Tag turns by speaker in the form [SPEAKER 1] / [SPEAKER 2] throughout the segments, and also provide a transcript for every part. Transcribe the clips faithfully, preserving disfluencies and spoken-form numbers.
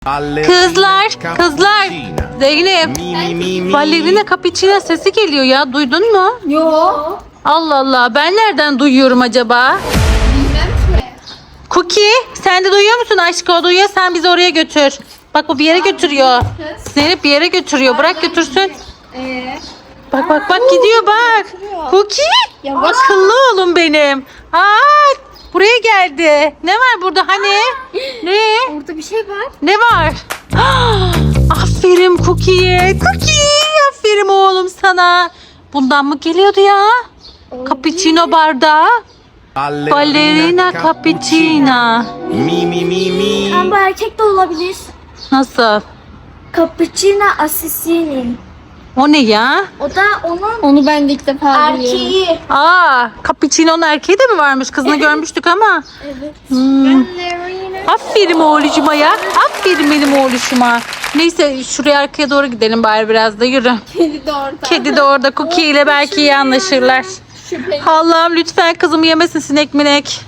[SPEAKER 1] Kızlar, kızlar. Zeynep, ballerina cappuccino sesi geliyor ya. Duydun mu?
[SPEAKER 2] Yok.
[SPEAKER 1] Allah Allah, ben nereden duyuyorum acaba?
[SPEAKER 2] Bilmem ki.
[SPEAKER 1] Cookie, sen de duyuyor musun aşkım? O duyuyor, sen bizi oraya götür. Bak bu bir yere götürüyor. Zeynep bir yere götürüyor. Bırak götürsün.
[SPEAKER 2] Ee,
[SPEAKER 1] Bak bak bak gidiyor bak. Cookie,
[SPEAKER 2] Yavaş.
[SPEAKER 1] akıllı oğlum benim. Aa, buraya geldi. Ne var burada hani? Ne?
[SPEAKER 2] orada bir şey var.
[SPEAKER 1] Ne var? Ah, aferin Cookie'ye. Cookie, aferin oğlum sana. Bundan mı geliyordu ya? Cappuccino bardağı. Ballerina cappuccino.
[SPEAKER 3] Mi mi mi mi.
[SPEAKER 2] Ama bu erkek de olabilir.
[SPEAKER 1] Nasıl?
[SPEAKER 2] Cappuccino Assassini.
[SPEAKER 1] O ne ya?
[SPEAKER 2] O da onun
[SPEAKER 4] Onu ben de ilk defa görüyorum.
[SPEAKER 2] erkeği.
[SPEAKER 1] Aa, cappuccino'nun erkeği de mi varmış? Kızını görmüştük ama.
[SPEAKER 2] Evet.
[SPEAKER 1] Hmm. Aferin oğlucuma ya. Aferin benim oğluşuma. Neyse şuraya arkaya doğru gidelim bari biraz da yürü.
[SPEAKER 2] Kedi de orada.
[SPEAKER 1] Kedi de orada Cookie ile belki iyi anlaşırlar.
[SPEAKER 2] Şüpheli.
[SPEAKER 1] Allah'ım lütfen kızımı yemesin sinek minek.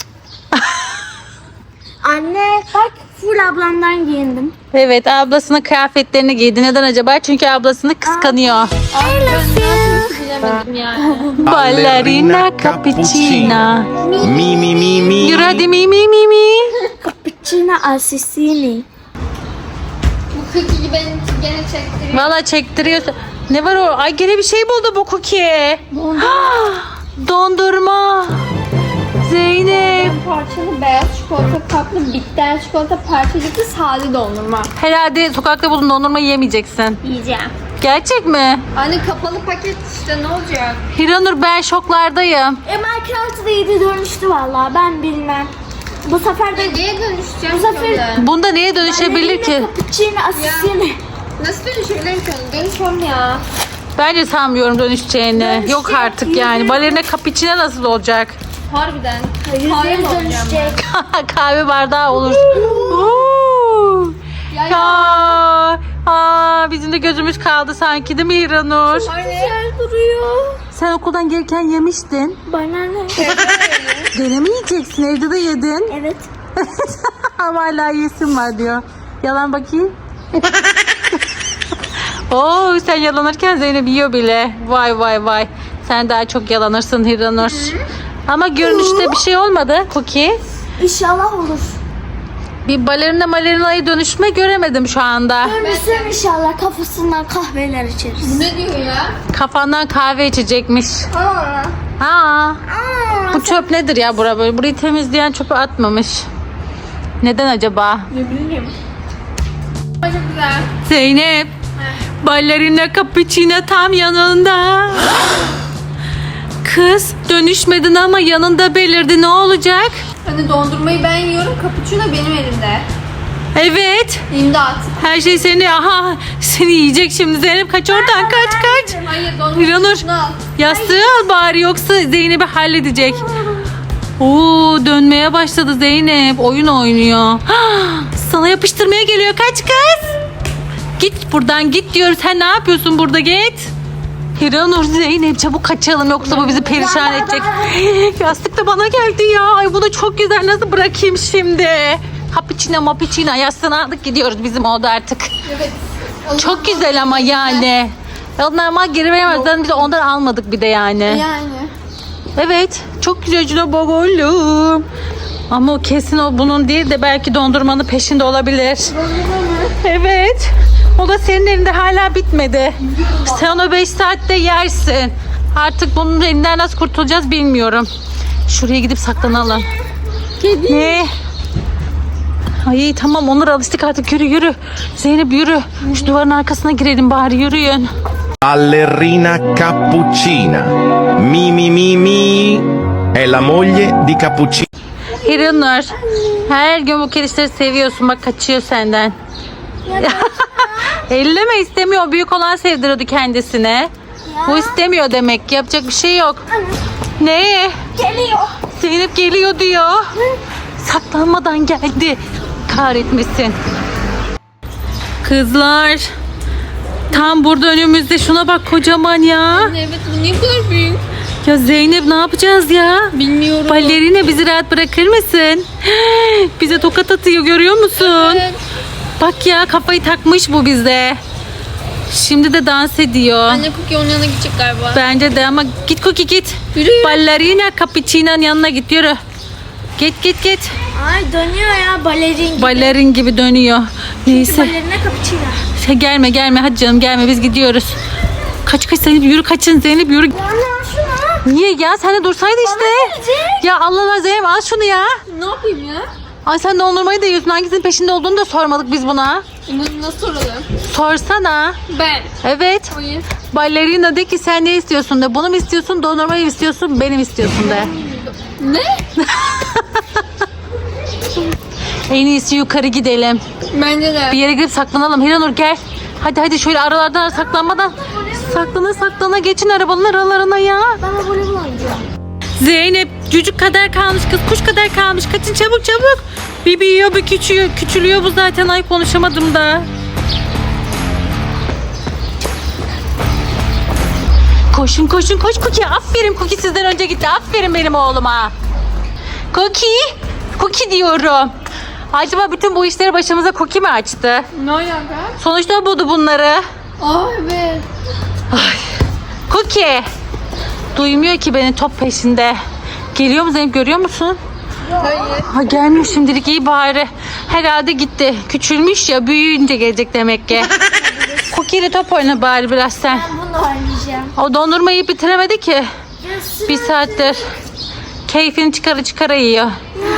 [SPEAKER 2] Anne bak full ablamdan giyindim.
[SPEAKER 1] Evet ablasının kıyafetlerini giydi. Neden acaba? Çünkü ablasını kıskanıyor.
[SPEAKER 4] Bilemedim yani.
[SPEAKER 1] Ballerina cappuccino.
[SPEAKER 3] Mi mi mi mi.
[SPEAKER 1] Yürü hadi mi mi mi mi.
[SPEAKER 2] Cappuccino Assassini.
[SPEAKER 4] Bu kırk beni gene çektiriyor.
[SPEAKER 1] Valla çektiriyorsun. Ne var o? Ay gene bir şey buldu bu Cookie. Dondurma. Zeynep.
[SPEAKER 4] Parçalı beyaz çikolata kaplı bitter çikolata parçacıklı sade dondurma.
[SPEAKER 1] Herhalde sokakta buldun dondurma yiyemeyeceksin.
[SPEAKER 4] Yiyeceğim.
[SPEAKER 1] Gerçek mi?
[SPEAKER 4] Anne kapalı paket işte ne olacak?
[SPEAKER 1] Hiranur ben şoklardayım.
[SPEAKER 2] E Minecraft'ı da yedi dönüştü vallahi ben bilmem. Bu sefer de
[SPEAKER 4] Neye dönüşeceğim
[SPEAKER 2] Bu sefer-
[SPEAKER 4] şimdi?
[SPEAKER 1] Bunda neye dönüşebilir ki?
[SPEAKER 2] Cappuccino Assassini.
[SPEAKER 4] Nasıl dönüşebilirim ki onu? Dönüşmem ya.
[SPEAKER 1] Bence sanmıyorum dönüşeceğini.
[SPEAKER 2] Dönüşecek,
[SPEAKER 1] Yok artık yani.
[SPEAKER 2] yüzde-
[SPEAKER 1] Balerina cappuccino nasıl olacak?
[SPEAKER 4] Harbiden. Kahve
[SPEAKER 2] Yüzde
[SPEAKER 4] mi
[SPEAKER 2] yüz
[SPEAKER 4] olacağım
[SPEAKER 2] dönüşecek.
[SPEAKER 1] Kahve bardağı olur. Oo.
[SPEAKER 4] Ya
[SPEAKER 1] Ya. Aa, bizim de gözümüz kaldı sanki değil mi Hiranur?
[SPEAKER 2] Güzel duruyor.
[SPEAKER 1] Sen okuldan gelirken yemiştin.
[SPEAKER 2] Bana ne?
[SPEAKER 1] Gene mi yiyeceksin? Evde de yedin.
[SPEAKER 2] Evet.
[SPEAKER 1] Ama hala yesin var diyor. Yalan bakayım. Oo, sen yalanırken Zeynep yiyor bile. Vay vay vay. Sen daha çok yalanırsın Hiranur. Ama görünüşte bir şey olmadı Cookie.
[SPEAKER 2] İnşallah olur.
[SPEAKER 1] Bir balerina balerinaya dönüşme göremedim şu anda.
[SPEAKER 2] Görürsün inşallah kafasından kahveler içeriz.
[SPEAKER 4] Ne diyor ya?
[SPEAKER 1] Kafandan kahve içecekmiş.
[SPEAKER 2] Aa.
[SPEAKER 1] Aa,
[SPEAKER 2] Aa.
[SPEAKER 1] bu çöp nedir ya bura böyle? Burayı temizleyen çöpü atmamış. Neden acaba?
[SPEAKER 4] Ne bileyim. Çok güzel.
[SPEAKER 1] Zeynep. Ballerina cappuccino tam yanında. Kız dönüşmedin ama yanında belirdi, ne olacak?
[SPEAKER 4] Hani dondurmayı ben yiyorum, cappuccino benim elimde.
[SPEAKER 1] Evet.
[SPEAKER 4] İmdat.
[SPEAKER 1] Her şey seni, aha seni yiyecek şimdi Zeynep, kaç oradan, kaç kaç.
[SPEAKER 4] Hayır dondurmayı
[SPEAKER 1] Hiranur
[SPEAKER 4] şunu al.
[SPEAKER 1] yastığı al bari yoksa Zeynep'i halledecek. Oo, dönmeye başladı Zeynep, oyun oynuyor. Sana yapıştırmaya geliyor, kaç kız. Git buradan git diyorum, sen ne yapıyorsun burada, git. Hiranur, Zeynep çabuk kaçalım yoksa bu bizi perişan edecek. Yastık da bana geldi ya. Ay bu da çok güzel, nasıl bırakayım şimdi? Cappuccino mappuccino yastığını aldık gidiyoruz bizim oda artık.
[SPEAKER 4] Evet.
[SPEAKER 1] Çok güzel ama yani. Onlar ama geri veremezler, biz de ondan almadık bir de yani.
[SPEAKER 4] Yani.
[SPEAKER 1] Evet çok güzel Cino babalım. Ama o kesin o bunun değil de belki dondurmanın peşinde olabilir. Evet. O da senin elinde hala bitmedi. Sen onu beş saatte yersin. Artık bunun elinden nasıl kurtulacağız bilmiyorum. Şuraya gidip saklanalım.
[SPEAKER 4] Kedi.
[SPEAKER 1] Ne? Ay tamam Onur, alıştık artık, yürü yürü. Zeynep yürü. Şu duvarın arkasına girelim bari, yürüyün.
[SPEAKER 3] Ballerina cappuccina. Mi mi mi mi. È la moglie di Cappuccino.
[SPEAKER 1] Hiranur, her gün bu kedişleri seviyorsun, bak kaçıyor senden. Elleme, istemiyor. Büyük olan sevdiriyordu kendisine. Bu istemiyor demek ki, yapacak bir şey yok. Ne?
[SPEAKER 2] Geliyor.
[SPEAKER 1] Zeynep geliyor diyor. Saklanmadan geldi. Kahretmesin. Kızlar. Tam burada önümüzde, şuna bak kocaman ya.
[SPEAKER 4] Evet bu niye bu kadar büyük?
[SPEAKER 1] Ya Zeynep ne yapacağız ya?
[SPEAKER 4] Bilmiyorum.
[SPEAKER 1] Ballerina bizi rahat bırakır mısın? Bize tokat atıyor, görüyor musun?
[SPEAKER 4] Evet.
[SPEAKER 1] Bak ya, kafayı takmış bu bize. Şimdi de dans ediyor.
[SPEAKER 4] Anne Cookie onun yanına gidecek galiba.
[SPEAKER 1] Bence de ama git Cookie git.
[SPEAKER 4] Yürü, yürü.
[SPEAKER 1] Ballerina Capuchino'nun yanına git, yürü. Git git git.
[SPEAKER 2] Ay dönüyor ya balerin gibi.
[SPEAKER 1] Balerin gibi dönüyor. Neyse.
[SPEAKER 2] Balerine cappuccino.
[SPEAKER 1] Şey, gelme gelme hadi canım, gelme, biz gidiyoruz. Kaç kaç Zeynep, yürü, kaçın Zeynep, yürü.
[SPEAKER 2] Anne al şunu.
[SPEAKER 1] Niye ya, sen de dursaydı işte.
[SPEAKER 2] gelecek.
[SPEAKER 1] Ya Allah Allah Zeynep, al şunu ya.
[SPEAKER 4] Ne yapayım ya?
[SPEAKER 1] Ay sen dondurmayı da yiyorsun, hangisinin peşinde olduğunu da sormadık biz buna.
[SPEAKER 4] Bunu nasıl soralım?
[SPEAKER 1] Sorsana.
[SPEAKER 4] Ben.
[SPEAKER 1] Evet.
[SPEAKER 4] Hayır.
[SPEAKER 1] Ballerina de ki sen ne istiyorsun de. Bunu mu istiyorsun, dondurmayı mı istiyorsun, benim istiyorsun de.
[SPEAKER 4] Ne?
[SPEAKER 1] En iyisi yukarı gidelim.
[SPEAKER 4] Bence de.
[SPEAKER 1] Bir yere girip saklanalım. Hiranur gel. Hadi hadi şöyle aralardan saklanmadan. Saklana saklana geçin arabanın aralarına ya.
[SPEAKER 2] Ben de voleybol oynayacağım.
[SPEAKER 1] Zeynep cücük kadar kalmış kız, kuş kadar kalmış. Kaçın çabuk çabuk. Bir büyüyor bir küçülüyor. Küçülüyor bu zaten, ay konuşamadım da. Koşun koşun koş Cookie. Aferin Cookie, sizden önce gitti. Aferin benim oğluma. Cookie. Cookie diyorum. Acaba bütün bu işleri başımıza Cookie mi açtı?
[SPEAKER 4] Ne alaka?
[SPEAKER 1] Sonuçta o buldu bunları.
[SPEAKER 4] Aa evet.
[SPEAKER 1] Cookie. Duymuyor ki beni, top peşinde. Geliyor mu Zeynep, görüyor musun?
[SPEAKER 4] Hayır.
[SPEAKER 1] Ha, gelmiyor şimdilik, iyi bari. Herhalde gitti. Küçülmüş ya, büyüyünce gelecek demek ki. Cookie ile top oyna bari biraz sen.
[SPEAKER 2] Ben bunu oynayacağım.
[SPEAKER 1] O dondurmayı bitiremedi ki. Bir saattir. Keyfini çıkara çıkara yiyor.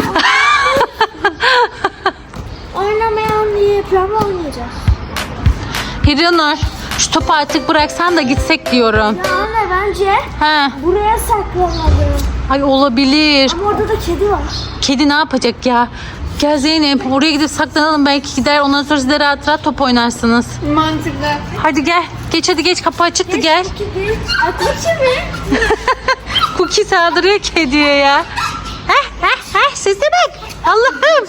[SPEAKER 2] Oynamayan diye yapıyorum, oynayacağız.
[SPEAKER 1] Hiranur, şu topu artık bıraksan da gitsek diyorum.
[SPEAKER 2] Ya anne bence
[SPEAKER 1] Ha,
[SPEAKER 2] buraya saklanalım.
[SPEAKER 1] ay olabilir.
[SPEAKER 2] Ama orada da kedi var.
[SPEAKER 1] Kedi ne yapacak ya? Gel Zeynep, oraya gidip saklanalım, belki gider, ondan sonra siz de rahat rahat top oynarsınız.
[SPEAKER 4] Mantıklı.
[SPEAKER 1] Hadi gel, geç hadi geç, kapı açıktı, gel.
[SPEAKER 2] Kedi. Ateşi mi?
[SPEAKER 1] Cookie saldırıyor kediye ya. Heh heh heh, sese bak. Allah'ım.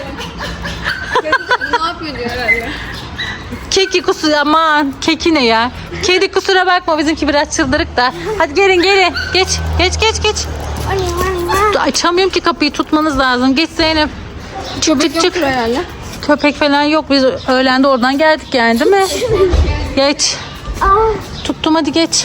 [SPEAKER 4] Ne yapıyor diyor herhalde.
[SPEAKER 1] Keki kusura, aman keki ne ya. Kedi kusura bakma, bizimki biraz çıldırık da. Hadi gelin gelin, geç geç geç geç.
[SPEAKER 2] Oynayayım oynayayım.
[SPEAKER 1] Açamıyorum ki kapıyı, tutmanız lazım. Geç Zeynep. Çık
[SPEAKER 4] Köpek
[SPEAKER 1] çık çık.
[SPEAKER 4] yoktur herhalde.
[SPEAKER 1] Köpek falan yok, biz öğlende oradan geldik yani, değil mi? Geç.
[SPEAKER 2] Aa,
[SPEAKER 1] Tuttum, hadi geç.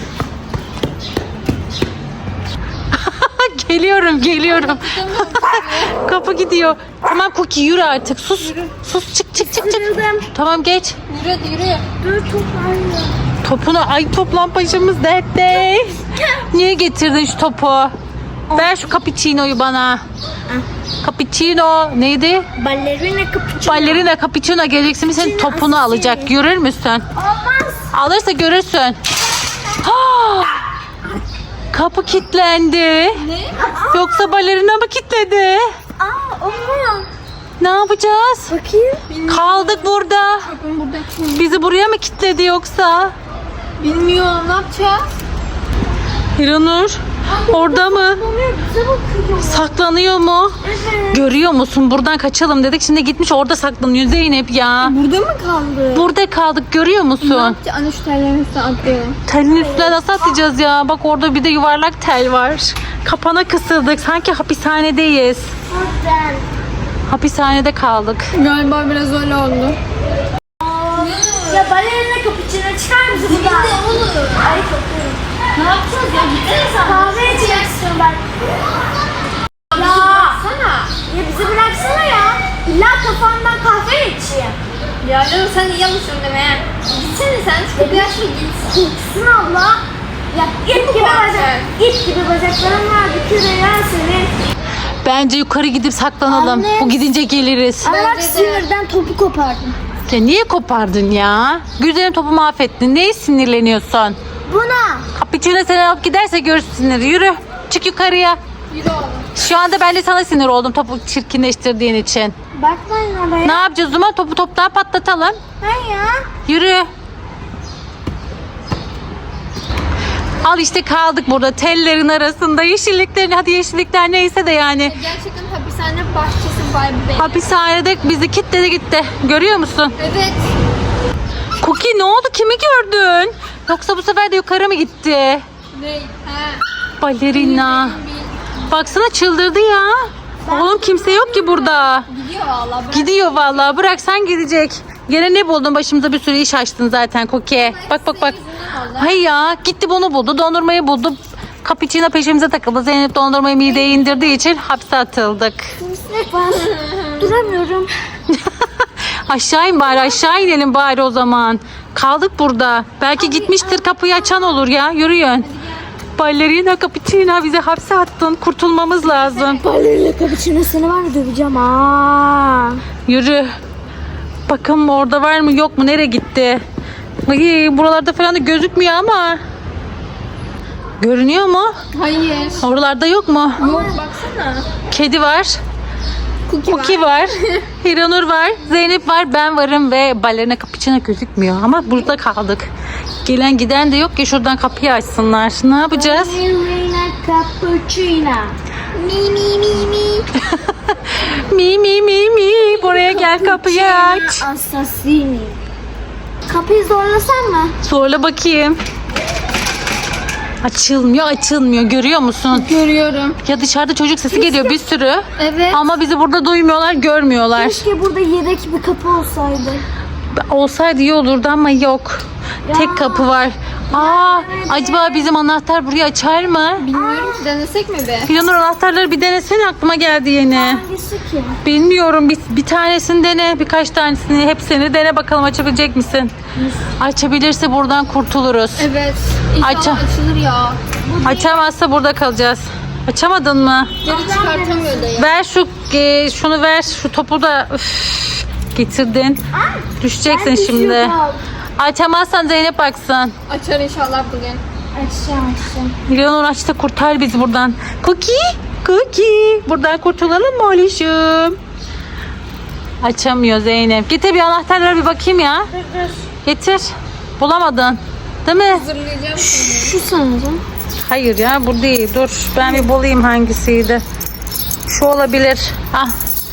[SPEAKER 1] Geliyorum geliyorum. Kapı gidiyor. Tamam Cookie, yürü artık, sus. Sus, çık çık çık çık.
[SPEAKER 2] kırıldım.
[SPEAKER 1] Tamam geç.
[SPEAKER 4] Yürü hadi yürü.
[SPEAKER 2] Dur toplanıyor.
[SPEAKER 1] Topunu, ay toplam başımız dertte. Niye getirdin şu topu? Ver şu cappuccino'yu bana. Cappuccino neydi?
[SPEAKER 2] Ballerina cappuccino.
[SPEAKER 1] Ballerina cappuccino geleceksin, senin topunu alacak. Görür müsün?
[SPEAKER 2] Olmaz.
[SPEAKER 1] Alırsa görürsün. Ha! Kapı kilitlendi.
[SPEAKER 4] Ne?
[SPEAKER 1] Yoksa balerina mı kilitledi?
[SPEAKER 2] Aa, o mu?
[SPEAKER 1] Ne yapacağız?
[SPEAKER 2] Bakayım.
[SPEAKER 1] Kaldık burada.
[SPEAKER 4] Bakın burada.
[SPEAKER 1] Bizi buraya mı kilitledi yoksa?
[SPEAKER 4] Bilmiyorum ne yapacağız?
[SPEAKER 1] Hiranur orada mı?
[SPEAKER 2] Oluyor, bize bakıyor.
[SPEAKER 1] Saklanıyor mu?
[SPEAKER 2] Evet.
[SPEAKER 1] Görüyor musun? Buradan kaçalım dedik. Şimdi gitmiş orada saklanıyor Zeynep ya.
[SPEAKER 4] Burada mı kaldı?
[SPEAKER 1] Burada kaldık, görüyor
[SPEAKER 4] Ne
[SPEAKER 1] musun?
[SPEAKER 4] yapacağız? Anne şu tellerin üstüne atlayalım.
[SPEAKER 1] Telin üstüne nasıl atlayacağız ya? Bak orada bir de yuvarlak tel var. Kapana kısıldık. Sanki hapishanedeyiz.
[SPEAKER 2] Buradan.
[SPEAKER 1] Hapishanede kaldık.
[SPEAKER 4] Galiba biraz öyle oldu.
[SPEAKER 2] Ya balerina cappuccino çıkar mısın buradan? olur. Ay kokuyorum. Ne yapacağız ya? Gitsene sen. Kahve içeceksin ben. Ya.
[SPEAKER 4] Sana.
[SPEAKER 2] Ya bizi bıraksana ya. İlla kafamdan kahve içeyim.
[SPEAKER 4] Ya canım sen iyi alışıyorsun deme ya. Gitsene sen. Şu yaşlı git.
[SPEAKER 2] Gitsin abla. Ya ip gibi bacak. İp gibi bacaklarım var. Bir kere ya senin.
[SPEAKER 1] Bence yukarı gidip saklanalım.
[SPEAKER 2] Anne.
[SPEAKER 1] Bu gidince geliriz.
[SPEAKER 2] Ama bak
[SPEAKER 4] Bence de.
[SPEAKER 2] sinirden topu kopardım.
[SPEAKER 1] Ya niye kopardın ya? Güzelim, topu mahvettin. Neye sinirleniyorsun?
[SPEAKER 2] Buna.
[SPEAKER 1] Cappuccino seni alıp giderse görürsün siniri. Yürü. Çık yukarıya.
[SPEAKER 4] Yürü oğlum.
[SPEAKER 1] Şu anda ben de sana sinir oldum topu çirkinleştirdiğin için.
[SPEAKER 2] Bakmayın oraya.
[SPEAKER 1] Ne yapacağız o zaman? Topu toptan patlatalım.
[SPEAKER 2] Ben ya.
[SPEAKER 1] Yürü. Al işte, kaldık burada tellerin arasında, yeşilliklerin, hadi yeşillikler neyse de yani.
[SPEAKER 4] Gerçekten hapishane bahçesi vibe benim.
[SPEAKER 1] Hapishanede bizi kilitledi gitti. Görüyor musun?
[SPEAKER 4] Evet.
[SPEAKER 1] Cookie ne oldu? Kimi gördün? Yoksa bu sefer de yukarı mı gitti?
[SPEAKER 4] Ne? He.
[SPEAKER 1] Balerina. Baksana çıldırdı ya. Oğlum kimse yok ki burada.
[SPEAKER 4] Gidiyor valla. Bırak.
[SPEAKER 1] Gidiyor vallahi. Bırak sen gidecek. Gene ne buldun? Başımıza bir sürü iş açtın zaten Koki. Bak bak bak. Hay ya, gitti bunu buldu. Dondurmayı buldu. Cappuccino peşimize takıldı. Zeynep dondurmayı mideye indirdiği için hapse atıldık.
[SPEAKER 2] Duramıyorum.
[SPEAKER 1] Aşağı in bari, aşağı inelim bari o zaman. Kaldık burada. Belki gitmiştir, kapıyı açan olur ya. Yürüyün. Ballerina Cappuccino, bize hapse attın. Kurtulmamız lazım.
[SPEAKER 2] Balerina cappuccino seni var mı döveceğim aa.
[SPEAKER 1] Yürü. Bakalım orada var mı yok mu, nereye gitti? Ay, buralarda falan da gözükmüyor ama. Görünüyor mu?
[SPEAKER 4] Hayır.
[SPEAKER 1] Oralarda yok mu?
[SPEAKER 4] Yok baksana.
[SPEAKER 1] Kedi var.
[SPEAKER 4] Cookie,
[SPEAKER 1] Cookie var. Hiranur var. Zeynep var. Ben varım ve Ballerina Cappuccino gözükmüyor. Ama burada kaldık. Gelen giden de yok ki, şuradan kapıyı açsınlar. Ne yapacağız?
[SPEAKER 2] Balerina cappuccino. Mi mi mi mi.
[SPEAKER 1] Mi mi mi mi. Buraya gel, kapıyı aç.
[SPEAKER 2] Assassini. Kapıyı zorlasan mı?
[SPEAKER 1] Zorla bakayım. Açılmıyor, açılmıyor. Görüyor musun?
[SPEAKER 4] Görüyorum.
[SPEAKER 1] Ya dışarıda çocuk sesi geliyor bir sürü.
[SPEAKER 4] Evet.
[SPEAKER 1] Ama bizi burada duymuyorlar, görmüyorlar.
[SPEAKER 2] Keşke burada yedek bir kapı olsaydı.
[SPEAKER 1] Olsaydı iyi olurdu ama yok. Tek kapı var. Aa, acaba bizim anahtar burayı açar mı?
[SPEAKER 4] Bilmiyorum ki, denesek mi be?
[SPEAKER 1] Planur anahtarları bir denesene, aklıma geldi yeni.
[SPEAKER 2] Hangisi ki?
[SPEAKER 1] Bilmiyorum, bir, bir tanesini dene, birkaç tanesini, hepsini dene bakalım, açabilecek misin? Açabilirse buradan kurtuluruz.
[SPEAKER 4] Evet. İnşallah
[SPEAKER 1] Açam.
[SPEAKER 4] açılır ya.
[SPEAKER 1] Açamazsa burada kalacağız. Açamadın mı?
[SPEAKER 4] Geri çıkartamıyor da ya.
[SPEAKER 1] Ver şu e, şunu ver, şu topu da üf, getirdin. Düşeceksin şimdi. Açamazsan Zeynep baksın.
[SPEAKER 4] Açar inşallah bugün.
[SPEAKER 2] Açacağım açacağım.
[SPEAKER 1] Milyonur aç da kurtar bizi buradan. Cookie, Cookie. Buradan kurtulalım mı oğluşum? Açamıyor Zeynep. Getir bir anahtarlara bir bakayım ya.
[SPEAKER 2] Dur dur.
[SPEAKER 1] Getir. Bulamadın. Değil mi?
[SPEAKER 4] Hazırlayacağım şimdi.
[SPEAKER 2] Şu sanırım.
[SPEAKER 1] Hayır ya, bu değil. Dur ben bir bulayım hangisiydi. Şu olabilir. Ah.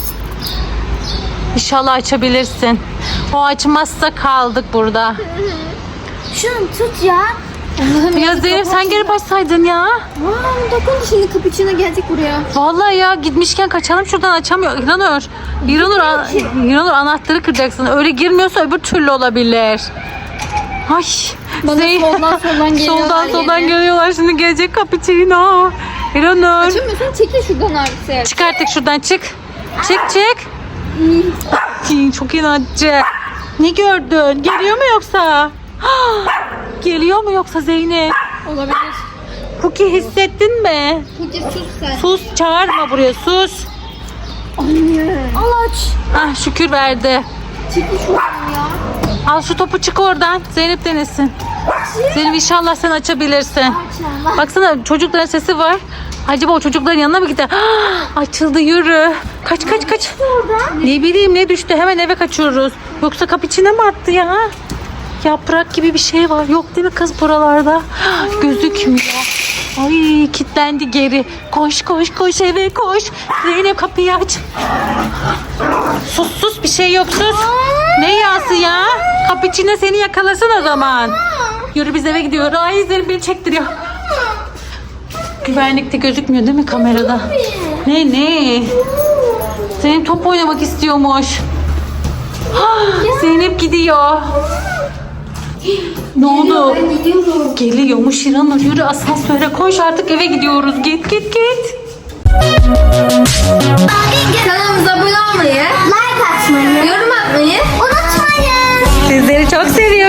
[SPEAKER 1] İnşallah açabilirsin. O açmazsa kaldık burada.
[SPEAKER 2] Şunu tut ya.
[SPEAKER 4] Allah'ım
[SPEAKER 1] Ya Zeynep sen geri başsaydın ya.
[SPEAKER 4] Aa, dokundu, şimdi cappuccino gelecek buraya.
[SPEAKER 1] Vallahi ya, gitmişken kaçalım şuradan, açamıyor. İranur. İranur, an- İranur anahtarı kıracaksın. Öyle girmiyorsa öbür türlü olabilir. Ay.
[SPEAKER 4] Bana
[SPEAKER 1] Zeyn-
[SPEAKER 4] soldan soldan geliyorlar
[SPEAKER 1] Soldan soldan
[SPEAKER 4] yine.
[SPEAKER 1] geliyorlar. Şimdi gelecek cappuccino. İranur.
[SPEAKER 4] Açamıyorsan çekil şuradan artık.
[SPEAKER 1] Çık artık şuradan, çık. Çık çık. Ay, çok inatçı. Ne gördün? Geliyor mu yoksa? Geliyor mu yoksa Zeynep?
[SPEAKER 4] Olabilir.
[SPEAKER 1] Cookie hissettin mi?
[SPEAKER 4] Cookie sus sen.
[SPEAKER 1] Sus, çağırma buraya, sus.
[SPEAKER 2] Al aç.
[SPEAKER 1] Ah, şükür verdi.
[SPEAKER 4] Çekil şuradan ya.
[SPEAKER 1] Al şu topu, çık oradan. Zeynep denesin. Zeynep inşallah sen açabilirsin.
[SPEAKER 2] Açalım.
[SPEAKER 1] Baksana, çocukların sesi var. Acaba o çocukların yanına mı gider? Ah, açıldı, yürü. Kaç kaç kaç. Ne bileyim ne düştü, hemen eve kaçıyoruz. Yoksa kapı içine mi attı ya? Yaprak gibi bir şey var. Yok değil mi kız buralarda? Ah, gözükmüyor. Ay, kilitlendi geri. Koş koş koş eve koş. Zeynep kapıyı aç. Sus sus, bir şey yok, sus. Ne yası ya? Kapı içine seni yakalasın o zaman. Yürü, biz eve gidiyoruz. Ay, Zeynep beni çektiriyor. Güvenlikte gözükmüyor değil mi kamerada? Ne ne? Zeynep top oynamak istiyormuş. Ah, Zeynep gidiyor. Ne oldu? Geliyormuş İranur. Yürü asansöre koş, artık eve gidiyoruz. Git git git.
[SPEAKER 4] Kanalımıza abone olmayı,
[SPEAKER 2] Like atmayı.
[SPEAKER 4] yorum atmayı
[SPEAKER 2] Unutmayın.
[SPEAKER 1] Sizleri çok seviyorum.